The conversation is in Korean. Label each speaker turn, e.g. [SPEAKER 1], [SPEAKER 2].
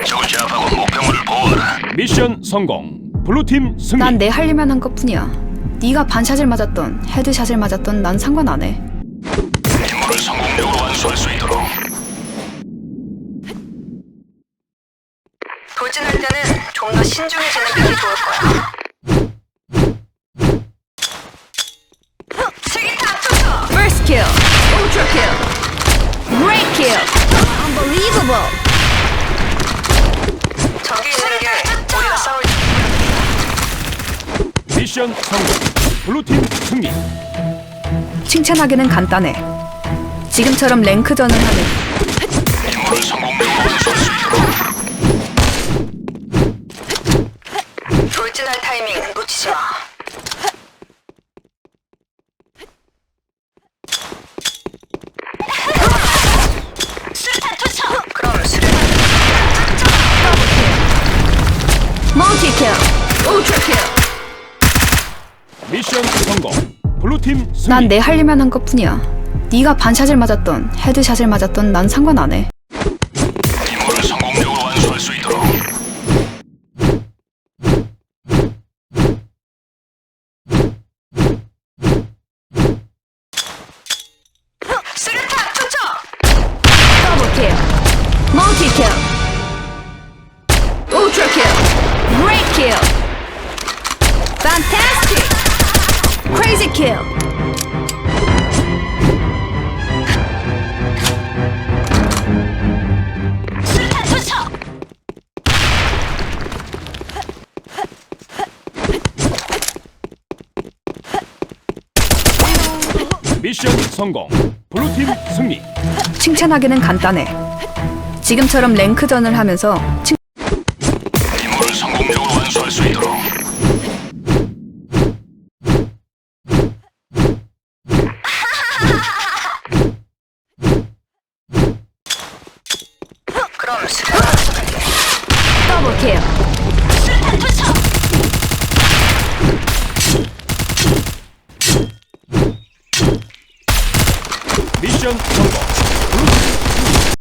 [SPEAKER 1] 적을 제압하고 목표물을 보호하라.
[SPEAKER 2] 미션 성공. 블루팀 승리.
[SPEAKER 3] 난 내 하려면 한 것뿐이야. 네가 반샷을 맞았던 헤드샷을 맞았던 난 상관 안 해.
[SPEAKER 1] 임무를 성공적으로 완수할 수 있도록.
[SPEAKER 4] 돌진할 때는 좀 더 신중해지는 편이 좋을 거야. 세기타 투척!
[SPEAKER 3] First kill, ultra kill, great kill, unbelievable.
[SPEAKER 4] 저기 있는 게 우리가 싸울
[SPEAKER 2] 미션 성공. 블루팀 승리.
[SPEAKER 3] 칭찬하기는 간단해. 지금처럼 랭크전을 하는
[SPEAKER 1] 임무를 성공적으로 완수할 수 있도록.
[SPEAKER 4] 돌진할 타이밍 놓치지 마. 수류탄 투척! 그럼 수류탄
[SPEAKER 3] multi kill, ultra kill.
[SPEAKER 2] 미션 성공. 블루팀 승리.
[SPEAKER 3] 난 내 하려면 한 것뿐이야. 네가 반샷을 맞았던 헤드샷을 맞았던 난 상관 안 해.
[SPEAKER 1] 임무를 성공적으로 완수할 수 있도록.
[SPEAKER 4] 수류탄 투척!
[SPEAKER 3] Double kill, multi kill, ultra kill, great kill, fantastic, crazy kill.
[SPEAKER 4] 수류탄 투척!
[SPEAKER 2] 미션 성공. 블루팀 승리.
[SPEAKER 3] 칭찬하기는 간단해. 지금처럼 랭크전을 하면서
[SPEAKER 1] 임무를 성공적으로 완수할 수 있도록.
[SPEAKER 4] 그럼 수류탄
[SPEAKER 3] 더블 킬,
[SPEAKER 4] 수류탄 투척!
[SPEAKER 2] 미션 성공.